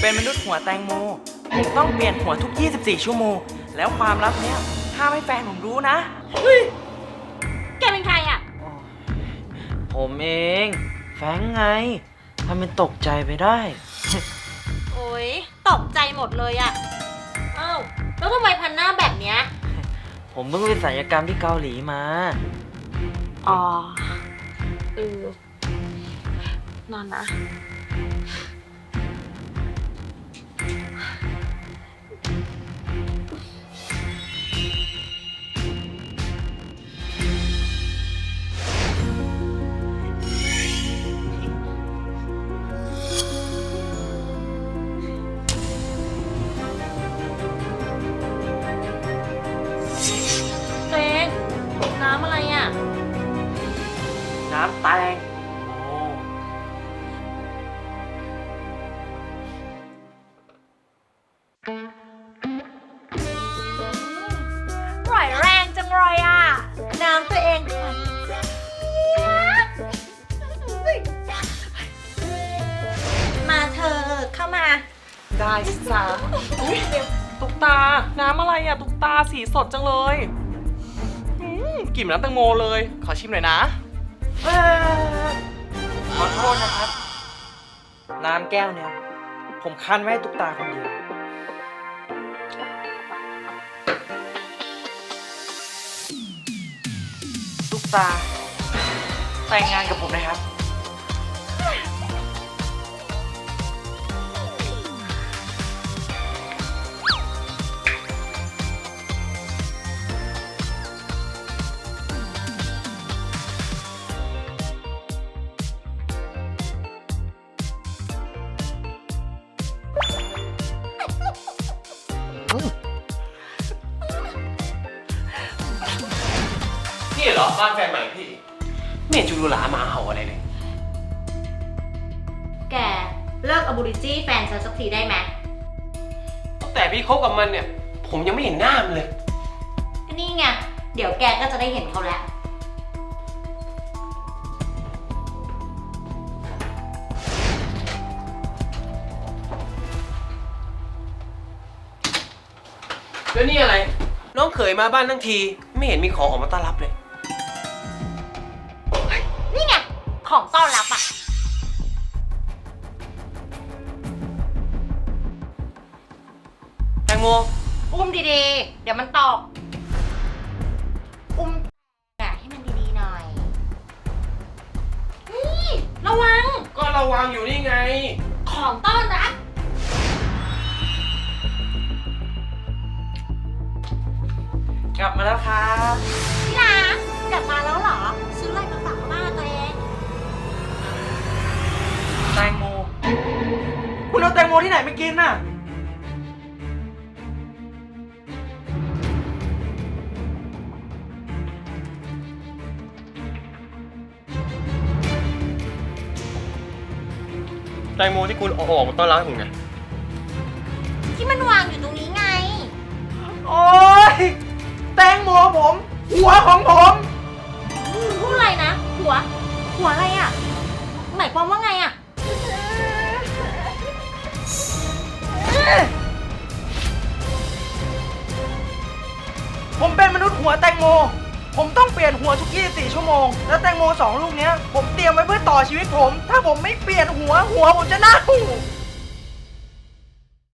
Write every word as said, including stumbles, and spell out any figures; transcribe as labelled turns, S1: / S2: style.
S1: เป็นมนุษย์หัวแตงโมผมต้องเปลี่ยนหัวทุกยี่สิบสี่ชั่วโมงแล้วความลับเนี้ยห้ามให้แฟนผมรู้นะเฮ้ย
S2: แกเป็นใครอ่ะ
S1: ผมเองแฟงไงทำเป็นตกใจไปได้
S2: โอ๊ยตกใจหมดเลยอ่ะอ้าวแล้วทำไมพันหน้าแบบเนี้ย
S1: ผมเพิ่งไปศัลยกรรมที่เกาหลีมา
S2: อ๋อเออนอนนะตัวเองน้ำอะไรอ่ะ
S1: น้ำแตงโม
S2: ปล่อยแรงจังเลยอ่ะน้ำตัวเองมาเธอเข้ามา
S1: ได้สิจ้าอุ๊ยตุ๊กตาน้ำอะไรอ่ะตุ๊กตาสีสดจังเลยอืมกลิ่นน้ำแตงโมเลยขอชิมหน่อยนะเอ่อขอโทษนะครับน้ำแก้วเนี่ยผมคั้นไว้ให้ตุ๊กตาคนเดียวตุ๊กตาแต่งงานกับผมนะครับ
S3: นี่เหรอบ้านแฟนใหม่พี่ไม่เห็นจูรูหลามาเห่าอะไรเลย
S2: แกเลิกอบูริจี้แฟนฉันสักทีได้ไหม
S3: ตั้งแต่พี่คบกับมันเนี่ยผมยังไม่เห็นหน้ามันเลย
S2: ก็นี่ไงเดี๋ยวแกก็จะได้เห็นเขาแล้ว
S3: แล้วนี่อะไรน้องเขยมาบ้านทั้งทีไม่เห็นมีของออกมาต้อนรับเลย
S2: นี่ไงของต้อนรับอ่ะ
S3: แตงโม
S2: อุ้มดีๆเดี๋ยวมันตกอุ้มอ่ะให้มันดีๆหน่อยนี่ระวัง
S3: ก็ระวังอยู่นี่ไง
S2: ของต้อนรับ
S1: กลับมาแล้วครับ
S2: พี่รักกลับมาแล้วเหรอซื้ออะไรมาฝากบ้านตัวเอง
S1: แตงโมคุณเอาแตงโมที่ไหนไปกินน่ะ
S3: แตงโมที่คุณเอาออกมาต้อนรับผมไง
S2: ที่มันวางอยู่ตรงนี้ไง
S1: โอ๊ยแตงโมผมหัวของผม
S2: พูดอะไรนะหัวหัวอะไรอ่ะหมายความว่าไงอ่ะ
S1: ผมเป็นมนุษย์หัวแตงโมผมต้องเปลี่ยนหัวทุกยี่สิบสี่ชั่วโมงแล้วแตงโมสองลูกเนี้ยผมเตรียมไว้เพื่อต่อชีวิตผมถ้าผมไม่เปลี่ยนหัวหัวผมจะเน่า